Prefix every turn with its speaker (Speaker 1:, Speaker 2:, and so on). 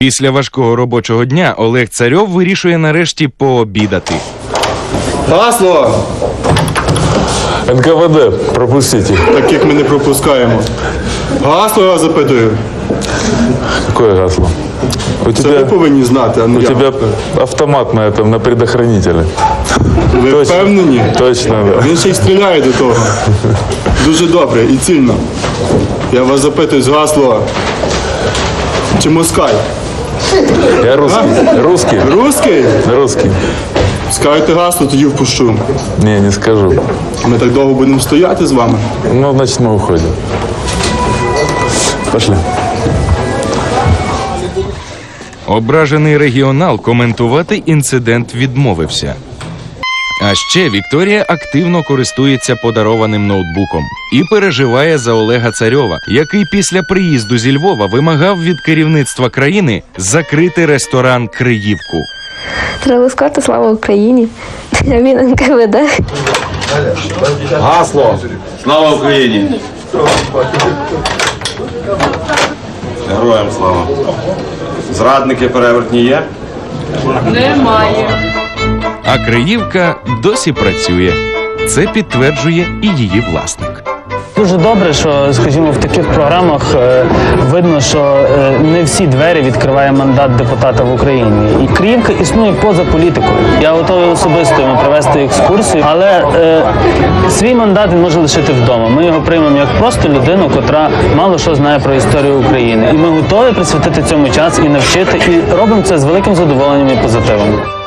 Speaker 1: Після важкого робочого дня Олег Царьов вирішує нарешті пообідати.
Speaker 2: Гасло!
Speaker 3: НКВД, пропустите.
Speaker 2: Таких ми не пропускаємо. Гасло я запитую.
Speaker 3: Какое гасло? У
Speaker 2: Це ви
Speaker 3: тебя,
Speaker 2: повинні знати, а не
Speaker 3: у
Speaker 2: я.
Speaker 3: тебя автомат на этом, на предохранителе.
Speaker 2: Ви
Speaker 3: Точно.
Speaker 2: впевнені?
Speaker 3: Точно, да.
Speaker 2: Він ще й стріляє до того. Дуже добре і цільно. Я вас запитую з гасла. Чи москаль?
Speaker 3: Я русский. Русский?
Speaker 2: Русський?
Speaker 3: Русский.
Speaker 2: Скажете гасло, тоді впущу.
Speaker 3: Не, не скажу.
Speaker 2: Ми так довго будемо стояти з вами.
Speaker 3: Ну, значит, мы уходим. Пошли.
Speaker 1: Ображений регіонал коментувати інцидент відмовився. А ще Вікторія активно користується подарованим ноутбуком і переживає за Олега Царьова, який після приїзду зі Львова вимагав від керівництва країни закрити ресторан «Криївку».
Speaker 4: Треба сказати слава Україні. Він НКВД.
Speaker 5: Гасло. Слава Україні. Героям слава. Зрадники перевертні є?
Speaker 1: А «Криївка» досі працює. Це підтверджує і її власник.
Speaker 6: Дуже добре, що, скажімо, в таких програмах видно, що не всі двері відкриває мандат депутата в Україні. І Криївка існує поза політикою. Я готовий особисто йому провести екскурсію, але свій мандат він може лишити вдома. Ми його приймемо як просто людину, котра мало що знає про історію України. І ми готові присвятити цьому час і навчити, і робимо це з великим задоволенням і позитивом.